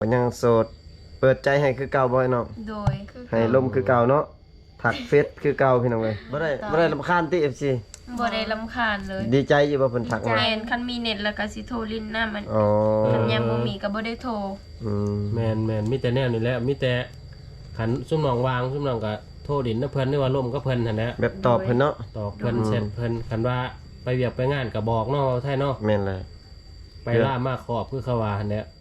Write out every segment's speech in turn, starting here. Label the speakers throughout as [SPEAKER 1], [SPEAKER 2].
[SPEAKER 1] ยังโสดเปิดใจให้คือเก่าบ่เนาะ
[SPEAKER 2] โดย
[SPEAKER 1] ให้ลมคือเก่าเนาะถักเฟซคือเก่าพี่น้องเอ้ยบ่ได้รำคาญติ FC
[SPEAKER 2] บ่ได้รำคาญเลย
[SPEAKER 1] ดีใจอยู่บ่เพิ่นทักมา
[SPEAKER 2] แม่นคันมีเน็ตแล้วก็สิโทรลิ้นหน้ามัน
[SPEAKER 1] อ๋อ
[SPEAKER 2] คันยังบ่มีก็บ่ได้โทร
[SPEAKER 3] แม่นมีแต่แนวนี่แหละมีแต่ขันซุ่มน้องวางซุ่มน้องก็โทรดินนะเพิ่นหรือว่าล่มก็เพิ่นหั่นแหละ
[SPEAKER 1] แบบตอบเพิ่นเนาะ
[SPEAKER 3] ตอบเพิ่นแชทเพิ่นคันว่าไปเวียกไปงานก็บอกเนาะไทยเนาะ
[SPEAKER 1] แม่นเลย
[SPEAKER 3] ไปล่ามาขอบคือเขาว่าหั่นแหละ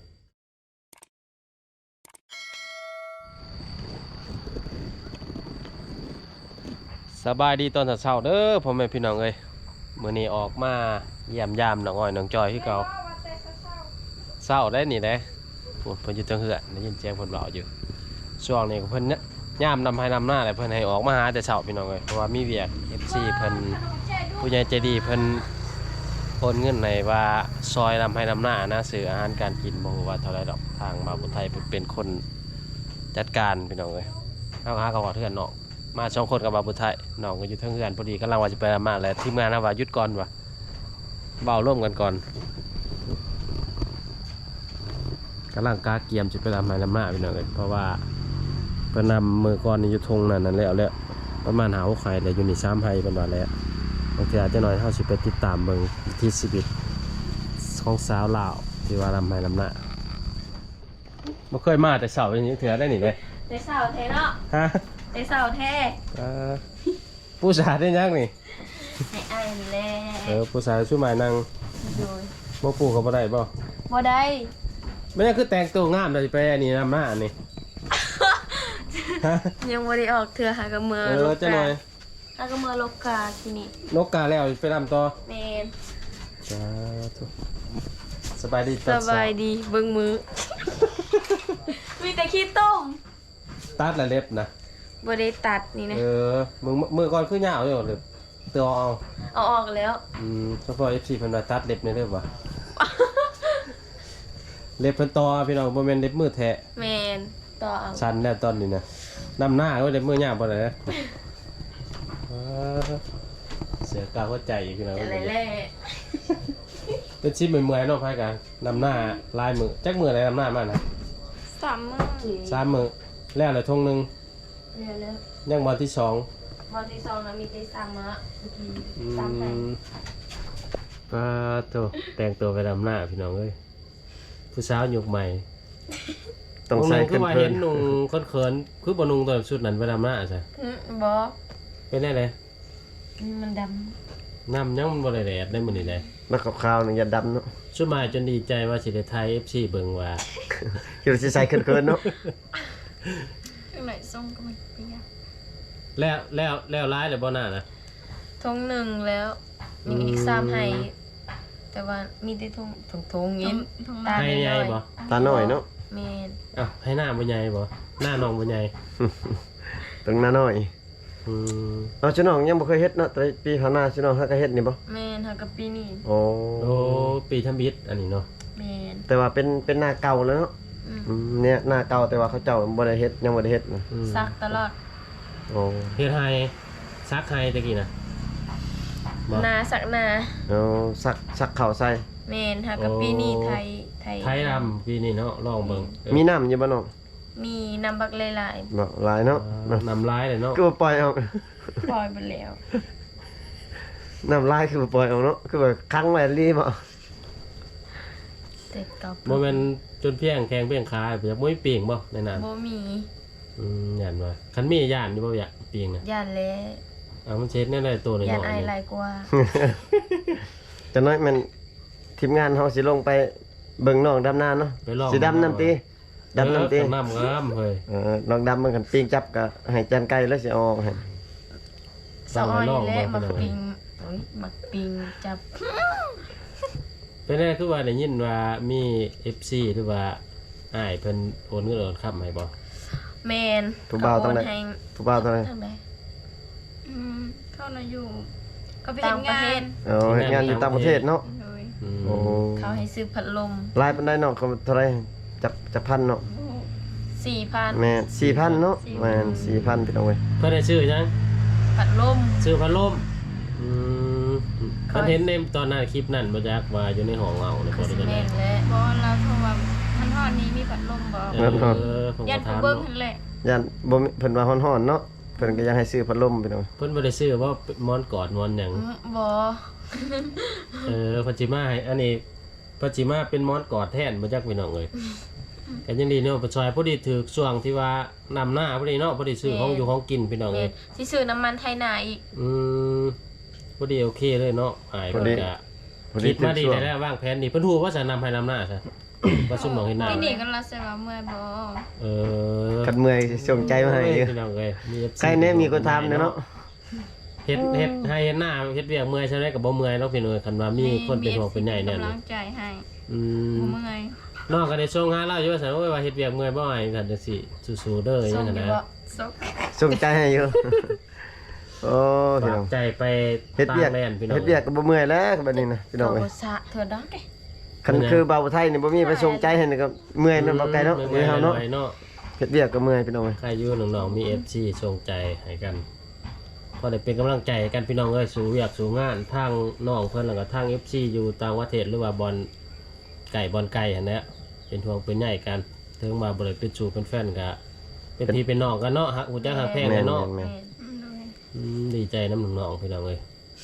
[SPEAKER 3] สบายดีตอนเช้าๆเด้อพ่อแม่พี่น้องเอ้ยมื้อนี้ออกมาเยี่ยมยามน้องอ้อยน้องจอยคือเก่าเช้าได้นี่เด้พูดเพิ่นอยู่จังเหือได้ยินเสียงเพิ่นเว้าอยู่ช่วงนี้ก็เพิ่นเนี่ยยามนำให้นำหน้าเลยเพิ่นให้ออกมาหาแต่เช้าพี่น้องเอ้ยเพราะว่ามีเวียก FC เพิ่นผู้ใหญ่ใจดีเพิ่นโอนเงินให้ว่าซอยนำให้นำหน้านะซื้ออาหารการกินบ่ฮู้ว่าเท่าไรดอกทางบ่าวผู้ไทยเพิ่นเป็นคนจัดการพี่น้องเอ้ยเฮาหาเขาว่าเทือนเนาะมา2คนกับบ่าวผู้ไทยน้องก็อยู่เทิงเฮือนพอดีกำลังว่าสิไปนำมาแล้วทีมงานนะว่าหยุดก่อนว่ะเว้าร่วมกันก่อนกำลังกาเกียมสิไปนำให้นำหน้าพี่น้องเอ้ยเพราะว่าเพิ่นนำมือก่อนอยู่ทงนั่นแล้วประมาณหา6ไข่แล้วอยู่นี่3ไข่เพิ่นว่าแล้วบางทีอาจจะน้อยเฮาสิไปติดตามเบิ่งวิถีชีวิตของสาวลาวที่ว่านำให้นำหน้าบ่เคยมาแต่เช้าอย่างนี้เถื่อได้นี่เด้
[SPEAKER 2] ได้เช้าแท้เนาะ
[SPEAKER 3] ฮะ
[SPEAKER 2] ได้เช้าแท้
[SPEAKER 3] ผู้สาวได้ยังนี่
[SPEAKER 2] ให้อ้ายนี่แหละ
[SPEAKER 3] ผู้สาวช่วยหมายนั่ง
[SPEAKER 2] โดย
[SPEAKER 3] บ่ปลูกก็บ่ได้บ่
[SPEAKER 2] บ่ได้
[SPEAKER 3] ไม่ได้คือแต่งตัวงามได้ไปอันนี้นำหน้าอันนี้ฮะ
[SPEAKER 2] ยังบ่ได้ออกเทื่อหากับมือลก
[SPEAKER 3] จะหน่อย
[SPEAKER 2] หากับมือลกกาที่นี่
[SPEAKER 3] นกกาแล้วไปนำต่อ
[SPEAKER 2] แม่น
[SPEAKER 3] สาธุสบายดี
[SPEAKER 2] สบายดีเบิ่งมือ มีแต่ขี้ต้ม
[SPEAKER 3] ตัดละเล็บนะ
[SPEAKER 2] บ่ได้ตัดนี่นะ
[SPEAKER 3] มือก่อนคือยาวอยู่หรือตัวเอา
[SPEAKER 2] เอาออกแล้ว
[SPEAKER 3] เฉพาะ FC เพิ่นว่าตัดเล็บในเด้อว่ะ เล็บเพิ่นต่อพี่น้องบ่แม่นเล็บมือแท้
[SPEAKER 2] แม่นต่อเอา
[SPEAKER 3] ชันแล้วตอนนี้นะนำหน้าก็เล็บมือยาวบ่ได้นะเสียกาวหัวใจอีกพี่น้อง
[SPEAKER 2] อะไรแล่
[SPEAKER 3] เป็นชิ้นเมื่อยๆเนาะพายกันนำหน้าลายมือจักมืออะไรนำหน้ามานะ
[SPEAKER 2] 3 มื้อ
[SPEAKER 3] 3มือแล้วเลยทงหนึง
[SPEAKER 2] แล้ว
[SPEAKER 3] ยังวันที่2
[SPEAKER 2] วันที่2นะมีแต่3มื้อ3ให้
[SPEAKER 3] ป้าโตแต่งตัวไปนำหน้าพี่น้องเอ้ยผู้สาวยุคใหม่
[SPEAKER 1] ต้องใส่
[SPEAKER 3] คื
[SPEAKER 1] ขึ้
[SPEAKER 3] อน ว่า
[SPEAKER 1] เพิ่
[SPEAKER 3] เห็
[SPEAKER 1] น
[SPEAKER 3] นนุ่งเขินๆคือบ่นุ่งตัวชุดนั้นไปนำหน้าใช่
[SPEAKER 2] บ่
[SPEAKER 3] เป็นได้เลย
[SPEAKER 2] มันด
[SPEAKER 3] น้ำยังมันบ่ได้แดดได้มื้อนี้เลย
[SPEAKER 1] แล้วขาวๆนี่อย่าดำเนาะ
[SPEAKER 3] สุดหมายจนดีใจว่าสิได้ไทย FC เบิ่งว่า
[SPEAKER 1] คิดว่าสิใส่ขึ้นเนาะ
[SPEAKER 2] ำข้างไหนส่งก็มันเปียก
[SPEAKER 3] แล้วร้ายเลยบ่หน้านะ
[SPEAKER 2] ทงหนึ่งแล้วมีอีก3ให้แต่ว่ามีแต่ทงนี้ตา
[SPEAKER 3] ให้ใหญ่บ่
[SPEAKER 1] ตาน้อยเนาะ
[SPEAKER 2] แม่น
[SPEAKER 3] อ้าวให้หน้าบ่ใหญ่บ่หน้าน้องบ่ใหญ่
[SPEAKER 1] ต้องหน้าน้อย
[SPEAKER 3] อืม
[SPEAKER 1] เอาชิน้องยังบ่เคยเฮ็ดเนาะแต่ปีผ่านมาชิน้องเฮาก็เฮ็ดนี่บ่
[SPEAKER 2] แม่นเฮากับปีนี้
[SPEAKER 1] โอ้
[SPEAKER 3] โอ้ปีทำบิดอันนี้เนาะ
[SPEAKER 2] แม่น
[SPEAKER 1] แต่ว่าเป็นหน้าเก่าแล้วเนาะ เนี่ยหน้าเก่าแต่ว่าเขาเจ้าบ่ได้เฮ็ดยังบ่ได้เฮ็ดนะ
[SPEAKER 2] ซักตลอด
[SPEAKER 1] โอ้
[SPEAKER 3] เฮ็ดให้ซักให้ตะกี้นะบ่
[SPEAKER 2] นาสักนา
[SPEAKER 1] เอาสักข้าวใส่
[SPEAKER 2] แม่นเฮากับปีนี้ไทย
[SPEAKER 3] ไทยดำปีนี้เนาะลองเบิ่ง
[SPEAKER 1] มีน้ำอยู่บ่น้อง
[SPEAKER 2] มีน้ำบักหลาย
[SPEAKER 1] บ่หลายเนาะ
[SPEAKER 3] น้ำลายเลยเนาะ
[SPEAKER 1] คือว่าปล่อยเอา
[SPEAKER 2] ๆปล่อยไปแล้ว
[SPEAKER 1] น้ำลายคือว่าปล่อยเอาเนาะคือว่าคั้งไว้รีบ่
[SPEAKER 2] แต่กับ
[SPEAKER 3] บ่แม่นจนเพียงแข้งเพียงขาอยากบ่มีปีงบ่ในนั้น
[SPEAKER 2] บ่มี
[SPEAKER 3] ย่านว่าคันมีย่านอยู่บ่อยากปีงน่ะ
[SPEAKER 2] ย่านแล
[SPEAKER 3] เอามันเช็ดแน่ได้ตัวน้อย
[SPEAKER 2] ย่าน
[SPEAKER 3] ๆ
[SPEAKER 2] อาย
[SPEAKER 3] นี่
[SPEAKER 2] หลายกว่า
[SPEAKER 1] จังน้อยมันทีมงานเฮาสิลงไปเบิ่งน้องดำนาเนาะ
[SPEAKER 3] ไปลอง
[SPEAKER 1] สิดำน้ำตีดำน้ำตี
[SPEAKER 3] น้ำงามเฮ้ย
[SPEAKER 1] น้องดำมันกันปิ้งจับก็ให้จานไก่แล้วสิเอาออกให้
[SPEAKER 2] สาวอ้อยนี่แหละมักปิงโอ้ยมักปิงจับ
[SPEAKER 3] เป็นแน่คือว่าได้ยินว่ามี FC หรือว่าอ้ายเพิ่นโอนเงินโอนค้ำให้บ่
[SPEAKER 2] แม่น
[SPEAKER 1] ผู้บ่าวต้องได้
[SPEAKER 2] ก็โนให้
[SPEAKER 1] ผู้บ่าวเท่าไหร่
[SPEAKER 2] ทางใด
[SPEAKER 4] เข้ามาอยู่ก็ไป
[SPEAKER 2] ต่า
[SPEAKER 4] เห็
[SPEAKER 2] ง
[SPEAKER 4] น
[SPEAKER 2] ประ
[SPEAKER 4] งา
[SPEAKER 2] เท
[SPEAKER 4] น
[SPEAKER 2] ศ
[SPEAKER 1] เฮ็ดงานอยู่ต่างประเทศเนาะ
[SPEAKER 4] เลย
[SPEAKER 3] อืม
[SPEAKER 1] โอ้
[SPEAKER 2] เขาให้ซื้อพัดลม
[SPEAKER 1] หลายปานใดเนาะเขาเท่าไหร่จับพันเนาะ
[SPEAKER 2] 4,000
[SPEAKER 1] แม่4,000เนาะแม่น4,000พี่น้องเว้ย
[SPEAKER 3] เพิ่นได้ชื่อยัง
[SPEAKER 2] พัดลม
[SPEAKER 3] ชื่อพัดลมอืมมันเห็นในตอนนั้นคลิปนั้นบ่จักว่าอยู่ในห้องเอาเลย
[SPEAKER 2] คื
[SPEAKER 3] บ่
[SPEAKER 2] อ
[SPEAKER 3] ได้
[SPEAKER 2] สิ
[SPEAKER 3] จังได๋
[SPEAKER 2] แม่นและ
[SPEAKER 4] บอกเราเพราะว่ามันฮอนนี้มีพัดลมบ่
[SPEAKER 3] ผม
[SPEAKER 4] ยั
[SPEAKER 3] ก็
[SPEAKER 4] นผู้
[SPEAKER 3] ถาม
[SPEAKER 4] เบิ่ง
[SPEAKER 3] เนาะ
[SPEAKER 4] หั่นแหละ
[SPEAKER 1] ยันบ่มีเพิ่นว่าฮ้อนๆเนาะเพิ่นก็ยังให้ซื้อพัดลมพี่น้อง
[SPEAKER 3] เพิ่นบ่ได้ซื้อว่าหมอนกอดหมอนหยัง
[SPEAKER 2] บ่
[SPEAKER 3] พัจิมาให้อันนี้พัจิมาเป็นหมอนกอดแทนบ่จักพี่น้องเอ้ยก็ยังดีเนาะประชอยพอดีถือช่วงที่ว่านำหน้าพอดีเนาะพอดีซื้อของอยู่ของกินพี่น้อง
[SPEAKER 2] แม่
[SPEAKER 3] เอ้ย
[SPEAKER 2] สิซื้อน้ำมันไทยนาอีก
[SPEAKER 3] พอดีโอเคเลยเนาะหายเพิ่นก็
[SPEAKER 1] พอดี
[SPEAKER 3] คิดมาดีแล้ววางแผนดีเพิ่นฮู้ว่าจะนำให้นำหน้าซะว่าซุ่มน้องเฮ็ดหน้า
[SPEAKER 4] ที่นี่ก็ละใส่ว่าเมื่อยบ่
[SPEAKER 1] คันเมื่อยส่งใจมาให้อยู่
[SPEAKER 3] พี่น้องเอ้ยมี FC
[SPEAKER 1] ใครแน่มีคนทำเนาะ
[SPEAKER 3] เฮ็ดให้เฮ็ดหน้าเฮ็ดเวียกเมื่อยใช่ไหมก็บ่เมื่อยเนาะพี่น้องคันว่ามีคนเป็นห่วงเป็นใหญ่เนี่ย
[SPEAKER 4] กำลังใจให้
[SPEAKER 3] อืม
[SPEAKER 4] บ่เมื่อย
[SPEAKER 3] น้องก็ได้ส่งหาเราอยู่ว่าซั่นโอ้ยว่าเฮ็ดเวียกเมื่อยบ่ให้กันจังซี่สู้ๆเด้ออ
[SPEAKER 2] ส่
[SPEAKER 3] ย่าง ง
[SPEAKER 2] อ
[SPEAKER 3] นั้น
[SPEAKER 2] ยู่
[SPEAKER 3] นะ
[SPEAKER 2] บ่
[SPEAKER 4] ซก
[SPEAKER 1] ส่งใจให้อยู่โอ้พี่
[SPEAKER 3] ฝา
[SPEAKER 1] น้อก ง
[SPEAKER 3] ใจไป
[SPEAKER 1] เฮ็ด
[SPEAKER 3] ต่า
[SPEAKER 1] เวียก
[SPEAKER 3] งแดนพี่น้อง
[SPEAKER 1] เฮ็ดเวียกก็บ่เมื่อยแล้วบัดนี้นะพี่น้อง
[SPEAKER 2] โท
[SPEAKER 1] เอ้ย
[SPEAKER 2] รสะเธอดอกเด้
[SPEAKER 1] คันคือเบาไทยนี่บ่มีไปส่งใจให้นี่ก็เมื่อยนั่นบ่ไกลเนาะ
[SPEAKER 3] เมื่
[SPEAKER 1] เมื่
[SPEAKER 3] อ
[SPEAKER 1] อย ยเฮาเนาะ
[SPEAKER 3] เนาะ
[SPEAKER 1] เฮ็ดเวียกก็เมื่อยพี่น้องเอ้ย
[SPEAKER 3] ใครอยู่น้องๆมี FC ส่งใจให้กันพอได้เป็นกำลังใจให้กันพี่น้องเอ้ยสู่เวียกสู่งานทางน้องเพิ่นแล้วก็ทาง FC อยู่ต่างประเทศหรือว่าบอลไก่หั่นแหละเป็นห่วงเป็นใหญ่กันถึงมาบ่ได้เป็นสู่เป็นแฟนก็เป็นพี่เป็นน้องกันเนาะฮักฮู้จักฮักแพงกันเนาะ
[SPEAKER 1] แม่น
[SPEAKER 3] ดีใจน้ำน้องๆพี่น้องเอ้ย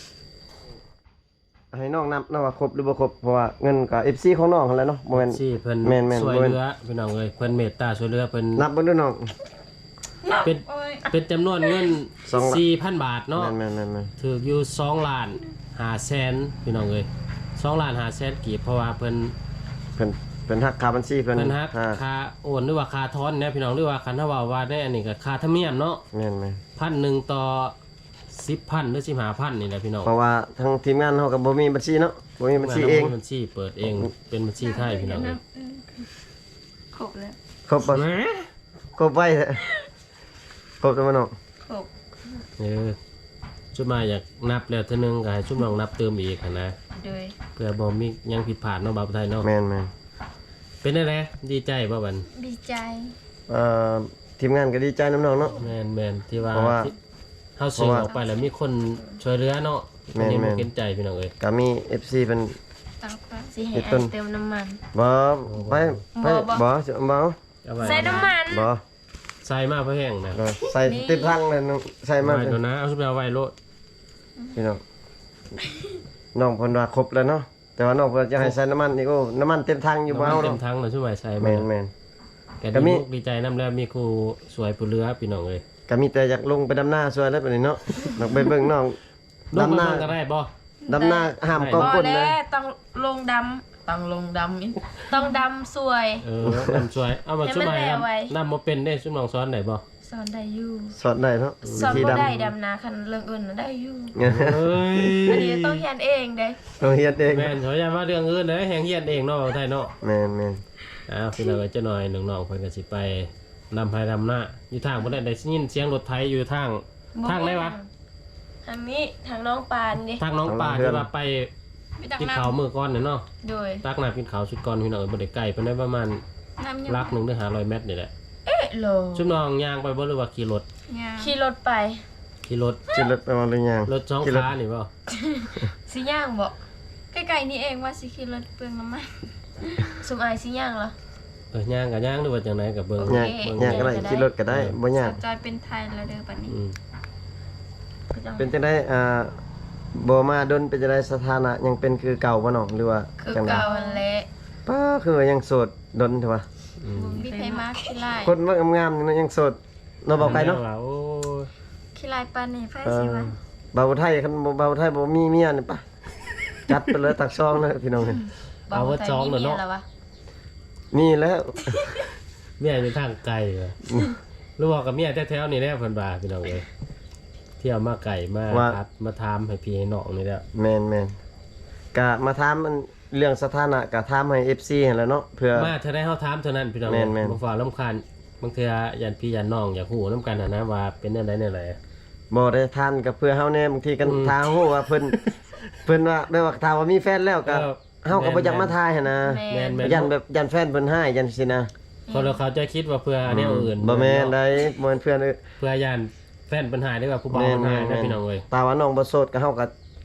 [SPEAKER 1] ๆให้น้องนับนะว่าครบหรือบ่ครบเพราะว่าเงินก็ FC ของน้องหั่นแหละเนาะบ่แม่น
[SPEAKER 3] ที่เพิ่น
[SPEAKER 1] แม่นๆ
[SPEAKER 3] ช่วย
[SPEAKER 1] บ่แม่น
[SPEAKER 3] เหลือพี่น้องเอ้ยเพิ่นเมตตาช่วยเหลือเพิ่น
[SPEAKER 1] นับเบิ่งดูน้อง
[SPEAKER 3] เป็น
[SPEAKER 4] โอ้ย
[SPEAKER 3] เป็นจำนวนเงิน
[SPEAKER 1] สองละ
[SPEAKER 3] 4,000 บาทเนาะ
[SPEAKER 1] แม่นๆๆ
[SPEAKER 3] ถืออยู่2ล้าน5แสนพี่น้องเอ้ย2ล้าน5แสนกีบเพราะว่าเพิ่น
[SPEAKER 1] เพิ่นหักค่าบัญชีเพิ่น
[SPEAKER 3] เพิ่นฮัก
[SPEAKER 1] อ่า
[SPEAKER 3] ค่าโอนหรือว่าค่าทอนเนี่ยพี่น้องหรือว่าคันถ้าว่าได้อันนี้ก็ค่าธรรมเนียมเนาะ
[SPEAKER 1] แม่น
[SPEAKER 3] 1,000ต่อ10,000หรือ15,000นี่แหละพี่น้อง
[SPEAKER 1] ๆเพราะว่าทางทีมงานเฮาก็บ่มีบัญชีเนาะบ่มีบัญชีเอง
[SPEAKER 3] บัญชีเปิดเองเป็นบัญชีไทยพี่น้องเอ้ย
[SPEAKER 4] ครบแล้ว
[SPEAKER 1] ครบบ่ครบไว้ครบแล้วบ่น้อง
[SPEAKER 4] ครบ
[SPEAKER 3] ชุดมาอยากนับแล้วเท่านึงก็ให้ชุดน้องนับเติมอีกหั้นนะ
[SPEAKER 2] โดย
[SPEAKER 3] เพื่อบ่มีหยังผิดพลาดเนาะบ่าวไทยเนาะ
[SPEAKER 1] แม่น
[SPEAKER 3] เป็นได้แหละดีใจบ่บัน
[SPEAKER 4] ดีใจ
[SPEAKER 1] ๆทีมงานก็ดีใจน้ำน้องเนาะ
[SPEAKER 3] แม่นที่ว่า
[SPEAKER 1] เพราะว่า
[SPEAKER 3] ที่เฮาสื่อออกไปแล้วมีคนช่วยเหลือเนาะ
[SPEAKER 1] แม่น
[SPEAKER 3] อันนี้บ่
[SPEAKER 1] แม่น
[SPEAKER 3] เห็นใจพี่น้องเอ้ย
[SPEAKER 1] ก็มี FC เพิ่น
[SPEAKER 4] ตั้งใจ
[SPEAKER 2] สิให้
[SPEAKER 1] อีก
[SPEAKER 2] อั
[SPEAKER 1] ต้น
[SPEAKER 2] นเติมน้ำมัน
[SPEAKER 1] บ่ไป
[SPEAKER 2] บ่
[SPEAKER 1] บ่สิบ่
[SPEAKER 3] เอาไว้
[SPEAKER 2] ใส่น้ำมัน
[SPEAKER 1] บ่
[SPEAKER 3] ใส่มาเพื่อแห้งนะ
[SPEAKER 1] ใส่เต็มถังเลยน้องใส่มา
[SPEAKER 3] ไว้ตัวนะเอาชุดไปเอาไว้โลด
[SPEAKER 1] พี่น้องน้องเพิ่นว่าครบแล้วเนาะแต่ว่าน้องเพิ่นจะให้ใส่น้ำมันอีกโอ้น้ำมันเต็มถังอยู่บ่เอา
[SPEAKER 3] เต็
[SPEAKER 1] เนาะ
[SPEAKER 3] มทั้งเลยชุดไว้ใส่
[SPEAKER 1] แม่น
[SPEAKER 3] แก
[SPEAKER 1] ก็
[SPEAKER 3] ดี
[SPEAKER 1] มี
[SPEAKER 3] มุกดีใจนํแล้วมีครูสวยผู้เหลือพี่น้องเอ้ย
[SPEAKER 1] ๆก็มีแต่อยากลงไปดำนาช่วยแล้วบัดนี้เนาะน้องไปเบิ่งน้อง
[SPEAKER 3] ลง
[SPEAKER 1] ดำ
[SPEAKER 3] มา
[SPEAKER 1] นา
[SPEAKER 3] เบิ่งก็ได้บ่
[SPEAKER 1] ดำนาห้ามกอง
[SPEAKER 2] บ่
[SPEAKER 1] ก้น
[SPEAKER 2] แล้
[SPEAKER 1] เลยว
[SPEAKER 2] ต้องลงดำต้องลงดำอีกต้องดำสวย
[SPEAKER 3] นำสวยเอามา
[SPEAKER 2] ให้
[SPEAKER 3] ชุด
[SPEAKER 2] มัน
[SPEAKER 3] ใหม่
[SPEAKER 2] แลไว้
[SPEAKER 3] นำบ่เป็นได้ชุดน้องสอนได้บ่
[SPEAKER 2] สอนได้อยู่
[SPEAKER 1] สอนได้เนาะ
[SPEAKER 2] สอน
[SPEAKER 1] วิธี
[SPEAKER 2] บ่
[SPEAKER 1] ดำ
[SPEAKER 2] ได้ดำนาคันเรื่องอื่นน่ะได้อยู่
[SPEAKER 3] เฮ้ย
[SPEAKER 2] อันนี้ต้องเรียนเองเด้
[SPEAKER 1] ต้องเฮ็ดเอง
[SPEAKER 3] แม่นเขาอย่าว่าเรื่องอื่นเด้อแฮงเฮียนเองเนาะบ่าวไทยเนาะ
[SPEAKER 1] แม่น
[SPEAKER 3] อ้าวพี่น้องก็จะหน่อยน้องๆเพิ่นก็สิไปนำไปนำหน้าอยู่ทางบ่ได้ยินเสียงรถไถอยู่ทางไหนวะ
[SPEAKER 2] ทางนี้ทางน้องปานนี่
[SPEAKER 3] ทางน้องป่าที่ว่าไป
[SPEAKER 4] ไม่ตัก
[SPEAKER 3] กิน
[SPEAKER 4] น้
[SPEAKER 3] ข้าวมื้อก่อนเนี่ยเนาะ
[SPEAKER 2] โดย
[SPEAKER 3] ตักน้ำกินข้าวชุดก่อนพี่น้องบ่ได้ไกลปานใดประมาณ
[SPEAKER 4] ำน้ำยัง
[SPEAKER 3] ลักหนึงหรือ500เมตรนี่แหละ
[SPEAKER 2] เอ๊ะโล
[SPEAKER 3] ชุดน้องย่างไปบ่หรือว่าขี่รถ
[SPEAKER 4] ยาง
[SPEAKER 2] ขี่รถไป
[SPEAKER 3] ขี่รถ
[SPEAKER 1] ๆจิรถไปมาหรือยัง
[SPEAKER 3] รถสอง
[SPEAKER 1] ขี่รถ
[SPEAKER 3] ขานี่บ่
[SPEAKER 2] สิย่างบ่
[SPEAKER 4] ใกล้ๆนี่เองว่าสิขี่รถเปลืองน้ำมัน
[SPEAKER 2] สมอายสิย่างเหร
[SPEAKER 3] ย่างก็ย่างหรือว่าจังไดก็เบิ่ง
[SPEAKER 1] ยากยากก็ได้ขี่รถก็ได้บ่ยาก
[SPEAKER 4] จอยเป็นไทยแล้วเด้อปัดนี้
[SPEAKER 3] อืม
[SPEAKER 1] เป็นจังได๋บ่มาดนเป็นจังได๋สถานะยังเป็นคือเก่าบ่น้องหรือว่า
[SPEAKER 2] คือ
[SPEAKER 1] จังได๋
[SPEAKER 2] เก่าหั่นแหละ
[SPEAKER 1] ป้าคือว่ายังโสดดนเถอะวะ
[SPEAKER 3] อืม
[SPEAKER 4] มีไทยมากขี้ลาย
[SPEAKER 1] คนว่างามๆนี่เนาะยังโสดเนาะบ่ไกลเนาะ
[SPEAKER 3] โอ้ย
[SPEAKER 4] ขี้ลายปานนี่ไฟ
[SPEAKER 1] เอ
[SPEAKER 4] สิ
[SPEAKER 1] อ
[SPEAKER 4] วะ
[SPEAKER 1] บ่าวไทยคันบ่บ่าวไทยบ่มีเมียนี่ปะจัดไปเลยตักซองเลยพี่น้องนี่
[SPEAKER 3] เอาว่าจองเด้อเนาะ
[SPEAKER 2] แล้ววะ
[SPEAKER 1] มีแล้ว
[SPEAKER 3] เมียอยู่ทางไกลเหรอหรือว่ากับเมียแถวๆนี่แหละเพิ่นว่าพี่น้องเอ้ยเที่ยวมาไก่มาทัดมาถามให้พี่ให้น้องนี่แหละ
[SPEAKER 1] แม่นๆก็มาถามมันเรื่องสถานะก็ถามให้ FC หั่นแหล้วเนาะเพื่อ
[SPEAKER 3] มาเท่าได้เฮาถามเท่านั้นพี่น้อง
[SPEAKER 1] แม่นๆ
[SPEAKER 3] บ่ฟ้าลำคาญบางเทื่อยันพี่ยันน้องอยากฮู้นํกันหั้นนะว่าเป็นจังไดแนวใด
[SPEAKER 1] บ่ได้ทานกับเพื่อเฮาแน่บางทีกันทางฮู้ว่าเพิ่นว่าแม่ว่าถ้าว่ามีแฟนแล้วก็เฮาก็บ่อยากมาทายหั่นนะ
[SPEAKER 3] แม่น
[SPEAKER 1] ยันแบบยันแฟนเพิ่นให้ยันสินะ
[SPEAKER 3] คนเราเขาจะคิดว่าเพื่อแนวอื่น
[SPEAKER 1] บ่แม่นได้บ่แม่นเพื่อน
[SPEAKER 3] เพื่อยันแฟนปัญหาหรือว่าผู้บ่าวปัญหาได้พี่น้องเอ้ย
[SPEAKER 1] ตาว่าน้องบ่โสดก็เฮาก็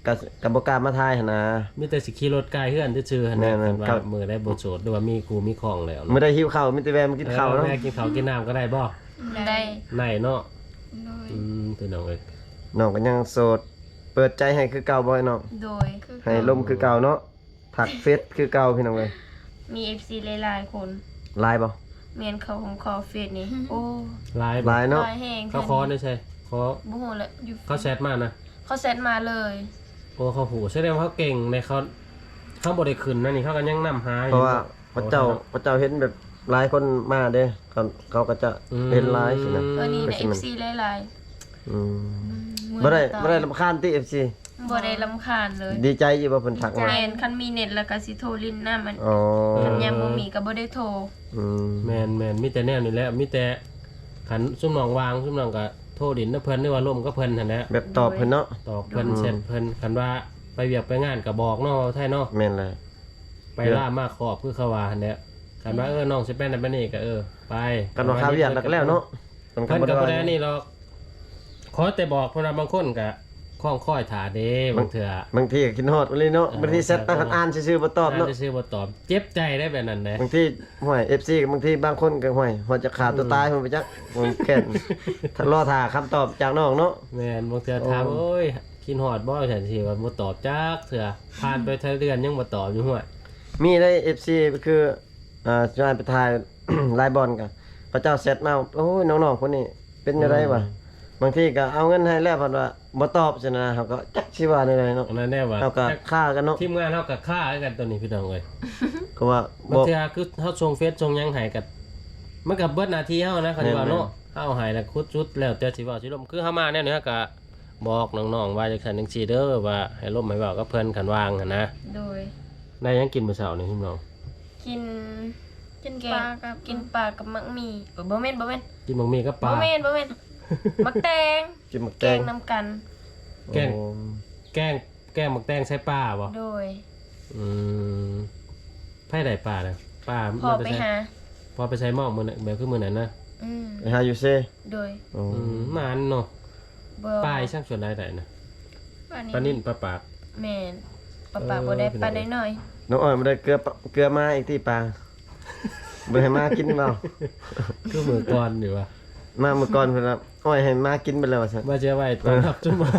[SPEAKER 1] ก็บ่กล้ามาทายหั่นนะ
[SPEAKER 3] มีแต่สิขี่รถไกลเฮือนซื่อๆหั่น
[SPEAKER 1] แม่
[SPEAKER 3] นะ
[SPEAKER 1] นๆ
[SPEAKER 3] ว่า
[SPEAKER 1] ครับ
[SPEAKER 3] มือได้บ่โสดหรือว่ามีกูมีของแล้ว
[SPEAKER 1] มื้อได้หิวข้าวมีแต่แวะมากินข้าวเนาะ
[SPEAKER 3] แม่กินข้าวกินน้ำก็ได้บ่
[SPEAKER 2] ได้
[SPEAKER 3] ไหนเนาะ
[SPEAKER 4] โดย
[SPEAKER 3] พี่น้องเอ้ย
[SPEAKER 1] น้องก็ยังโสด เปิดใจให้คือเก่าบ่ให้น้อง
[SPEAKER 2] โดย
[SPEAKER 4] คือ
[SPEAKER 1] ให้ลมคือเก่าเนาะถักเฟซคือเก่าพี่น้องเอ้ย
[SPEAKER 2] มี FC หลายๆคน
[SPEAKER 1] ไลน์บ่
[SPEAKER 2] เมียนเขาของคอเฟซนี่โอ้
[SPEAKER 3] ไลน์
[SPEAKER 1] ไลน์เนาะ
[SPEAKER 2] ลายแห้ง
[SPEAKER 3] เขาคอได้ใช่ขอ
[SPEAKER 2] บ่ฮู้ละอยู่
[SPEAKER 3] เขาแชทมานะ
[SPEAKER 2] เขาเซตมาเลย
[SPEAKER 3] โอ้เขาหูแสดงว่าเขาเก่งในเขาบ่ได้ขึ้นนะนี่เขาก็ยังนำหาอ
[SPEAKER 1] เพ
[SPEAKER 3] ยู่
[SPEAKER 1] ราะว่าพระเจ้าเห็นแบบหลายคนมาเด้เขาก็จะเห็นหลายสินะ
[SPEAKER 2] ตัวนี้ใน
[SPEAKER 1] ก็สิมัน
[SPEAKER 2] FC หลาย
[SPEAKER 1] อืม
[SPEAKER 2] ๆ
[SPEAKER 1] บ่ได้รำคาญติ FC
[SPEAKER 2] บ่ได้รำคาญเลย
[SPEAKER 1] ดีใจอยู่บ่เพิ่นทักมา
[SPEAKER 2] แม่นคันมีเน็ตแล้วก็สิโทรลิ้นหน้ามัน
[SPEAKER 1] อ๋อ
[SPEAKER 2] คันยังบ่มีก็บ่ได้โทร
[SPEAKER 1] อืม
[SPEAKER 3] แม่นมีแต่แนวนี่แหละมีแต่ขันซุ่มน้องวางซุ่มน้องก็โทรดินนะเพิ่นหรือว่าล่มก็เพิ่นนั่นแหละ
[SPEAKER 1] แบบตอบเพิ่นเนาะ
[SPEAKER 3] ตอบเพิ่นเสร็จเพิ่นคันว่าไปเวียกไปงานก็บอกเนาะไทยเนาะ
[SPEAKER 1] แม่นเลย
[SPEAKER 3] ไปล่ามาขอบคือเขาว่าหั่นแหละคันว่าน้องสิไปนั่นไปนี่ก็ไป
[SPEAKER 1] กันว่าข้าวเวียดแล้วก็แล้วเนาะ
[SPEAKER 3] เพิ่นก็บ่ได้นี่หรอกขอแต่บอกเพราะว่าบางคนก็คล้องค่อยถาเด้บางเทื่อบ
[SPEAKER 1] างทีก็กินฮอดเลยเนาะบางทีเซตตั้งคันอ่านซื่อๆบ่ตอบเนาะ
[SPEAKER 3] จะซื้อบ่ตอบเจ็บใจได้แบบนั้นเด้
[SPEAKER 1] บางทีห่วย FC บางทีบางคนก็ห่วยหัวจะขาดตัวตายมันไปจักมันแค่นถ้ารอท่าคำตอบจากน้องเนาะ
[SPEAKER 3] แม่นบางเทื่อถามโอ้ยกินฮอดบ่ฉันสิว่าบ่ตอบจักเทื่อผ่านไปเท่าเดือนยังบ่ตอบอยู่ห้วย
[SPEAKER 1] มีได้ FC ก็คือจะให้ไปถ่าย ไลฟ์บอลกันพระเจ้าเซตมาโอ้ยน้องๆคนนี้เป็นจังไดวะบางทีก็เอาเงินให้แล้วเพิ่นว่าบ่ตอบซั่นนะเฮาก็จักสิว่าได้เนาะ
[SPEAKER 3] อันนั้นแน่ว่า
[SPEAKER 1] เฮาก็ฆ่ากันเนาะ
[SPEAKER 3] ทีมงานเฮาก็ฆ่ากันตัวนี้พี่น้องเอ้ย
[SPEAKER 1] ก็ว่า
[SPEAKER 3] บางเทื่อคือเฮาส่งเฟซส่งหยังให้กันมันก็เบิดหน้าที่เฮานะเขาสิว่าเนาะเฮาให้แล้วคุดจุดแล้วแต่สิเว้าสิลมคือเฮามาแนวนี้เฮาก็บอกน้องๆว่าจังซั่นจังซี่เด้อว่าให้ลมให้เว้ากับเพิ่นคันวางหั่นนะ
[SPEAKER 2] โดย
[SPEAKER 3] ได้หยังกินมื้อเช้านี่พี่น้อง
[SPEAKER 2] กิน
[SPEAKER 4] กิน
[SPEAKER 2] แก
[SPEAKER 4] ปลาง กับ
[SPEAKER 2] กินปลากับมักหมี่บ่แม่น
[SPEAKER 3] กินบะหมี่กับป
[SPEAKER 2] บ่
[SPEAKER 3] ลา
[SPEAKER 2] แม่นมักแตง
[SPEAKER 1] กินหมึก
[SPEAKER 2] แก
[SPEAKER 1] แต
[SPEAKER 2] ง
[SPEAKER 1] ง
[SPEAKER 2] นํกัน
[SPEAKER 3] แกง
[SPEAKER 1] โอ้
[SPEAKER 3] แกงหมักแตงใส่ปลาบ่
[SPEAKER 2] โดย
[SPEAKER 3] อืมไผได้ปลาน่ะปลา
[SPEAKER 2] พอไปหา
[SPEAKER 3] พอไปใช้หม้อมื้อนั้นแบบคือมื้อนั้นนะ
[SPEAKER 2] อืม
[SPEAKER 1] ไปหาอยู่เซ
[SPEAKER 2] โดย
[SPEAKER 1] โอ้
[SPEAKER 3] หมานเนาะ
[SPEAKER 2] บ่
[SPEAKER 3] ปลาอีช่างส่วนใดได้นะ
[SPEAKER 4] ปลา
[SPEAKER 3] ปลา
[SPEAKER 4] นิ่
[SPEAKER 3] นิ่นปลาปาก
[SPEAKER 2] แม่นปลาบ่ได้ปลาน้อย
[SPEAKER 1] น้องอ้อยบ่ได้เกลือมาอีกที่ปลาบ่ให้มากินเปล่า
[SPEAKER 3] คือมือก่อนอยู่ว่ะ
[SPEAKER 1] มาเมื่อก่อนเพิ่นว่าอ้อยให้มากินไปแล้วว่าซั่น
[SPEAKER 3] ว่าจะไว้ตอนรับจุ่มไว้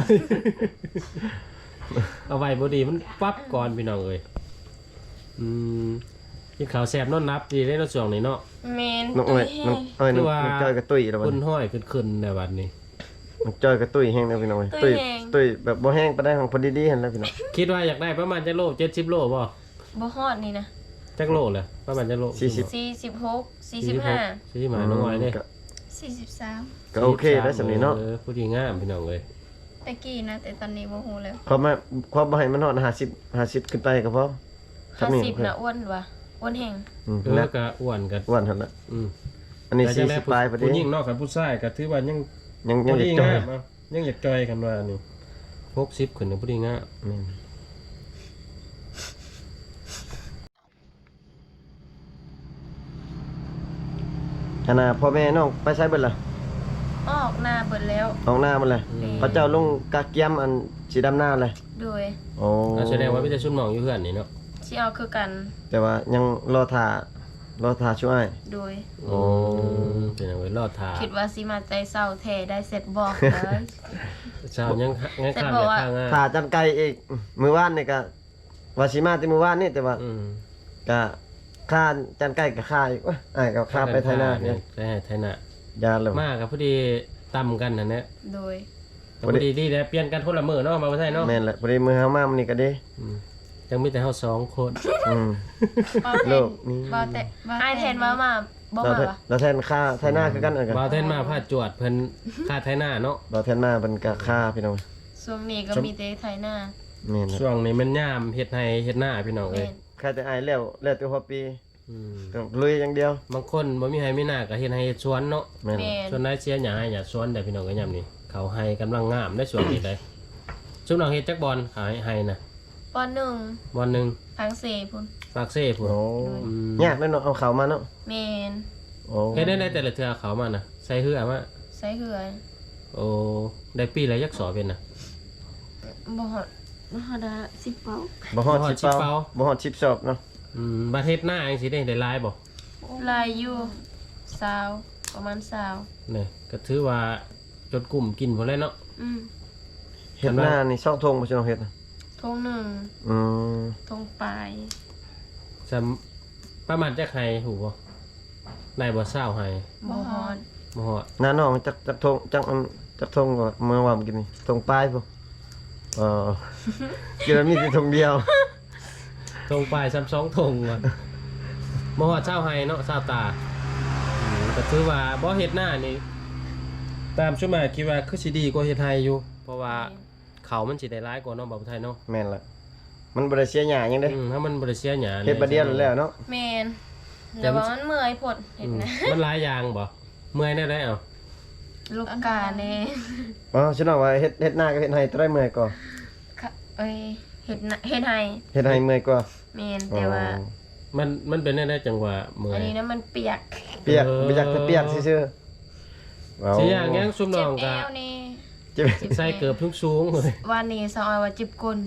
[SPEAKER 3] เอาไว้บ่ดีมันปั๊บก่อนพี่น้องเอ้ยอืมกินข้าวแซ่บนอนนับดีได้เนาะช่วงนี้เนาะ
[SPEAKER 2] ๆแม่น
[SPEAKER 1] น้องอ้อยน้องอ้อยน้อง
[SPEAKER 3] คือว่า
[SPEAKER 1] จอยกับตุ้ยแล้วบัด
[SPEAKER 3] คุณ
[SPEAKER 1] นี้
[SPEAKER 3] ห้อยขึ้นในวันนี้
[SPEAKER 1] น้องจอยกับตุ้ยแห้งแล้วพี่น้องเอ้ยตุ้ยแบบบ่แห้งปานใดของพอดีๆหั่นแหล้วพี่น้อง
[SPEAKER 3] คิดว่าอยากได้ประมาณจักโล70โลบ่
[SPEAKER 2] บ่ฮอดนี่นะ
[SPEAKER 3] จักโลแหละประมาณจักโล
[SPEAKER 2] 46 45
[SPEAKER 3] 45น้องอ้อยเด้
[SPEAKER 1] ก็
[SPEAKER 4] 43
[SPEAKER 1] ก็โอเคแล้วสำนี้เนาะ
[SPEAKER 3] ผู้ดีงามพี่น้องเอ้ย
[SPEAKER 4] ตะกี้นะแต่ตอนนี้บ่ฮู้แล้ว
[SPEAKER 1] ความบ่ให้มันฮอด50ขึ้นไปก็พอครับนี่
[SPEAKER 2] 50นะอ้วนว่ะอ้วนแห้ง
[SPEAKER 1] แล้
[SPEAKER 3] แล้ว วก็อ้วนกัน
[SPEAKER 1] อ้วนหั่นน่ะ
[SPEAKER 3] อืม
[SPEAKER 1] อันนี้
[SPEAKER 3] แต่จังได้
[SPEAKER 1] 40ปลายพอดี
[SPEAKER 3] ผู้หญิงเนอกกับผู้ชายก็ถือว่ายัง
[SPEAKER 1] ยัง
[SPEAKER 3] ผู้
[SPEAKER 1] จะ
[SPEAKER 3] ดี
[SPEAKER 1] จอย
[SPEAKER 3] งามเอายังอยากจอยกันว่านี่60ขึ้นน่ะผู้ดีงาม
[SPEAKER 1] แม่นขณะพ่อแม่น้องไปใช้เบิดล่ะ
[SPEAKER 2] ออกหน้าเบิดแล้ว
[SPEAKER 1] ออกหน้ามันเลยพระเจ้าลงกะเกียมอันสีดำหน้าเลย
[SPEAKER 2] โดย
[SPEAKER 1] โอ้
[SPEAKER 3] แสดงว่ามีแต่ชุมน้องอยู่เพื่อนนี่เนาะ
[SPEAKER 2] สิเอาคือกัน
[SPEAKER 1] แต่ว่ายังรอท่าช่วย
[SPEAKER 2] โดย
[SPEAKER 1] โอ้
[SPEAKER 3] เป็นเอาไว้รอดทา
[SPEAKER 2] คิดว่าสิมาใจเศร้าแท้ได้เสร็จบอกเลย
[SPEAKER 3] เช้ายังข้าม
[SPEAKER 2] แต่
[SPEAKER 3] จาก
[SPEAKER 2] บอกว่า
[SPEAKER 3] ข้างงาน
[SPEAKER 1] ท่าจันไก่อีกมือว่านนี่ก็ว่าสิมาที่มือว่านนี่แต่ว่า
[SPEAKER 3] อืม
[SPEAKER 1] ก็ค่าจันไก่ก็ค่าอีกว่าอ้ายก็ค่าไปไทยหน้าเนี่ย
[SPEAKER 3] ใช่ไทยหน้าย
[SPEAKER 1] าเลย
[SPEAKER 3] มากกับพอดีต่ำกันนั่นแหละ
[SPEAKER 2] โดย
[SPEAKER 3] แต่พอดีดีแล้วเปลี่ยนกันคนละมื้อเนาะมาบ่ใช่เนาะ
[SPEAKER 1] แม่นแหละพอดีมือเฮามามันนี่ก็ดี
[SPEAKER 3] อืมยังมีแต่เฮาสองคน
[SPEAKER 1] อืม
[SPEAKER 4] บ่แท
[SPEAKER 1] โล
[SPEAKER 4] น
[SPEAKER 1] กนี้
[SPEAKER 2] บ่แต่อ้ายแทนมาบ่
[SPEAKER 1] เรา
[SPEAKER 2] มา
[SPEAKER 1] แทน
[SPEAKER 2] วะ
[SPEAKER 1] เราแทนค่าไทยหน้าคือกันเออกัน
[SPEAKER 3] บ่าวแทนมาพาจวดเพิ่นค่าไทยหน้าเนาะ
[SPEAKER 1] เราแทนหน้าเป็นกะค่าพี่น้อง
[SPEAKER 2] ช่วงนี้ก็มีแต่ไทยหน้า
[SPEAKER 1] แม่นแหละ
[SPEAKER 3] ช่วงนี้มันยามเฮ็ดให้เฮ็ดหน้าพี่น้องเอ้
[SPEAKER 2] แม่
[SPEAKER 3] ย
[SPEAKER 2] น
[SPEAKER 1] ค่าแต่อ้ายแล้วแต่หัวปี
[SPEAKER 3] อืม
[SPEAKER 1] ต้องลุยอย่างเดียว
[SPEAKER 3] บางคนบ่มีให้มีหน้าก็เฮ็ดให้เฮ็ดสวนเนาะ
[SPEAKER 1] แม่น
[SPEAKER 2] แม่น
[SPEAKER 3] ส่วนนายเสียหยาให้หยาสวนได้พี่น้องก็ยามนี้เขาให้กำลังงามได้สวนนี้ได้ซุมน้องเฮ็ดจักบอลขายให้นะ
[SPEAKER 2] ปหนึ่ง
[SPEAKER 3] บอลหนึง
[SPEAKER 2] ทางเสพุ่น
[SPEAKER 3] ฝากเซ่พุ่น
[SPEAKER 1] โอ้
[SPEAKER 3] อืม
[SPEAKER 1] ยากเลยเนาะเอาเขามาเนาะ
[SPEAKER 2] แม่น
[SPEAKER 1] โอ้
[SPEAKER 3] เฮ็ดได้แต่ละเทื่อเขามาน่ะใส่เหือมา
[SPEAKER 2] ใส่เหือ
[SPEAKER 3] โอ้ได้ปีละยักษ์สอเป็นน่ะ
[SPEAKER 2] บ่ฮอด
[SPEAKER 4] มหาดา10 เป้า
[SPEAKER 1] บ่ฮอด
[SPEAKER 3] บ่ฮอด
[SPEAKER 1] 10
[SPEAKER 3] 10
[SPEAKER 1] เป้า
[SPEAKER 3] เป้า
[SPEAKER 1] บ่ฮอด10ศพเนาะ
[SPEAKER 3] ประเทศหน้าจังสิได้หลายบ่
[SPEAKER 2] ลายอยู่ซาวประมาณซาว
[SPEAKER 3] นี่ก็ถือว่าจดกลุ่มกินพุ่นแล้วเนาะ
[SPEAKER 2] อืม
[SPEAKER 1] เฮ็ดหน้านี่ซอกทงบ่ใช่น้องเฮ็ดน่ะ
[SPEAKER 2] ทงหนึ่ง
[SPEAKER 1] อืม
[SPEAKER 2] ทงปลาย
[SPEAKER 3] จำประมาณจักไห้หูบ่ได้บ่เศร้าไห้
[SPEAKER 2] บ่ฮอด
[SPEAKER 3] บ่ฮอด
[SPEAKER 1] หน้าน้องจักทงจักทงก็เมื่อวานกินนี่ทงปลายพุ่นกินแล้วมีแต่ทงเดียว
[SPEAKER 3] ตรงปลายซ้ำ2ทงว่ะบ่ฮอดเศร้าไห้เนาะเศร้าตาก็ถือว่าบ่เฮ็ดหน้านี่ตามชุมาคิดว่าคือสิดีกว่าเฮ็ดไห้อยู่ เพราะว่าเขามันสิได้หลายกว่าเนาะบ่าวไทยเนาะ
[SPEAKER 1] แม่นละมันบ่ได้เสียหยังหยังเด้
[SPEAKER 3] ถ้ามันบ่ได้เสียหยัง
[SPEAKER 1] เฮ็ดบัดเดียวแล้วเนาะ
[SPEAKER 2] แมนแต่ว่ามันเมื่อยผดเห็นนะ
[SPEAKER 3] มันหลายอย่างบ่เมื่อยได้เอา
[SPEAKER 2] ลูกกาเน่
[SPEAKER 1] อ๋อฉันบอกว่าเฮ็ดหน้ากับเฮ็ดให้ตัวได้เมื่อยกว่า
[SPEAKER 2] เอ้ยเห็ดน่ะเห็ดไห้
[SPEAKER 1] เฮ็ดให้เมื่อยกว่า
[SPEAKER 2] แมนแต่ว่า
[SPEAKER 3] มันเป็นได้จังหวะเมื่อ
[SPEAKER 2] อัน
[SPEAKER 3] ย
[SPEAKER 2] นี้นะมันเปียก
[SPEAKER 1] เปียกบ่อยากจะเปียกซื่อๆว้าว
[SPEAKER 3] สิอย่างงั้นซุมน้
[SPEAKER 2] เจ็
[SPEAKER 3] อบ ง
[SPEAKER 2] เอ
[SPEAKER 3] ก็
[SPEAKER 2] วนี่
[SPEAKER 1] เจ็บ
[SPEAKER 3] ใส่เกือบทุกสูงเลย
[SPEAKER 2] วันนี้สาวออยว่าจิบกล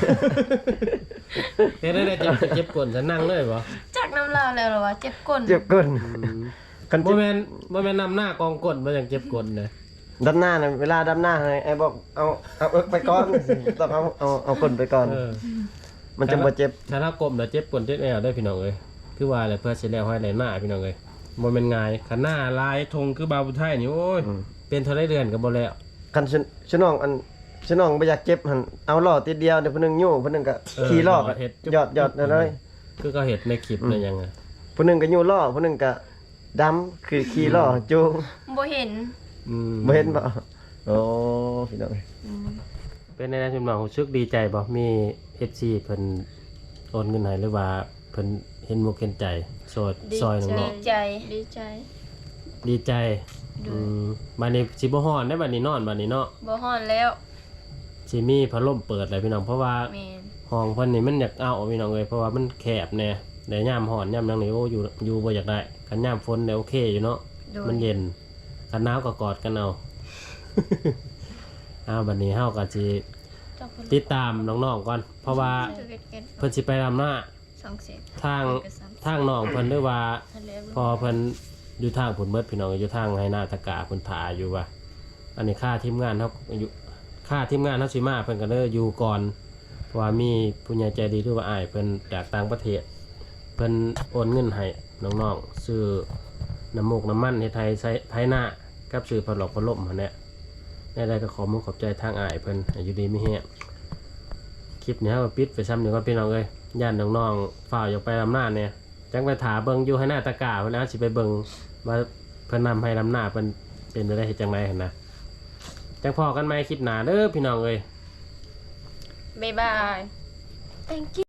[SPEAKER 3] เฮ็ดได้เจ็บก้นจะนั่งเลยบ่
[SPEAKER 2] จากน้ำลาวแล้วเหรอวะเจ็บก้น
[SPEAKER 1] เจ็บก้นคัน
[SPEAKER 3] บ่
[SPEAKER 1] เจ็บ
[SPEAKER 3] แม่นนำหน้ากองก้นบ่จังเจ็บก้นเลย
[SPEAKER 1] ดำหน้าน่ะเวลาดำหน้าให้ไอ้บอกเอาเอิกไปก่อนต้องเอาก้นไปก่อน มันจะบ่เจ็บ
[SPEAKER 3] ถ้าเราก้มแล้วเจ็บก้นเจ็บแอวได้พี่น้องเอ้ยคือว่าแหละเพื่อสิแล้วให้ไหลหน้าพี่น้องเอ้ยบ่แม่นง่ายคันหน้าลายธงคือบาวผู้ไทยนี่โอ้ยเป็นเท่าได้เดือนก็บ่แล้ว
[SPEAKER 1] คันฉันน้องบ่อยากเจ็บหั่นเอาล้อติดเดียวเดี๋ยวผู้หนึงยู่ผู้หนึงก็ขี่ล้อก็ยอดนั่นเลย
[SPEAKER 3] คือก็เห็ดในคลิปนั่นยังไง
[SPEAKER 1] ผู้หนึงก็ยู่ล้อผู้หนึงก็ดำคือขี่ล้อจูง
[SPEAKER 2] บ่เห็น
[SPEAKER 1] บ่เห็นบ่โอ้พี่น้อง
[SPEAKER 3] เป็นในชุมน้องรู้สึกดีใจบ่มี FC เพิ่นโอนเงินให้หรือว่าเพิ่นเห็นมุกเห็นใจซอยน้อง
[SPEAKER 2] ดีใจ
[SPEAKER 4] ดีใจ
[SPEAKER 3] ๆดีใจบัดนี้สิบ่ฮ้อนได้บัดนี้นอนบัดนี้เนาะ
[SPEAKER 2] บ่ฮอนแล้ว
[SPEAKER 3] สิมีพัดลมเปิดเลยพี่น้องเพราะว่า
[SPEAKER 2] แมน
[SPEAKER 3] ห้องเพิ่นนี่มันอยากเอาพี่น้องเอ้ยเพราะว่ามันแคบแน่แต่ยามฮ้อนยามหยังนี่โอ้อยู่บ่อยากได้คันยามฝนเนี่ยโอเคอยู่เนาะ
[SPEAKER 2] โดย
[SPEAKER 3] มันเย็นคันหนาวก็กอดกันเอา เอาบัดนี้เฮาก็สิ
[SPEAKER 2] เจ้าคน
[SPEAKER 3] ติดตามน้องๆก่อน เพราะว่า
[SPEAKER 4] จะเก็ตเก็ต
[SPEAKER 3] เพิ่นสิไปรำหน้า
[SPEAKER 4] 2 เซต
[SPEAKER 3] ทางน้องเพิ่นด้วยว่า
[SPEAKER 2] ทะเล
[SPEAKER 3] พอเพิ่นอยู่ทางผุนเบิดพี่น้องอยู่ทางให้หน้าตะกาเพิ่นถ่าอยู่ว่า อันนี้ค่าทีมงานเฮาอยู่ค่าทีมงานเฮาสิมาเพิ่นก็เลยอยู่ก่อนเพราะว่ามีผู้ใหญ่ใจดีหรือว่าอ้ายเพิ่นจากต่างประเทศ เพิ่นโอนเงินให้น้องๆซื้อน้ำมูกน้ำมันเฮ็ดใช้ไถหน้ากับซื้อพัดลมหั่นแหละได้ก็ขอมุกขอบใจทางอ้ายเพิ่นให้อยู่ดีมีแฮงคลิปนี้เฮาก็ปิดไปซ้ำเดี๋ยวก่อนพี่น้องเอ้ยย่านน้องๆฝ่าวอยากไปลำหน้าเนี่ยจังไปถาเบิ่งอยู่ให้หน้าตะกร้าเพิ่นสิไปเบิ่งว่าเพิ่นนำให้ลำหน้าเพิ่นเป็นได้เฮ็ดจังไดหั่นนะจังพอกันใหม่คลิปหน้าเด้อพี่น้องเอ้ย
[SPEAKER 2] บ๊ายบาย thank you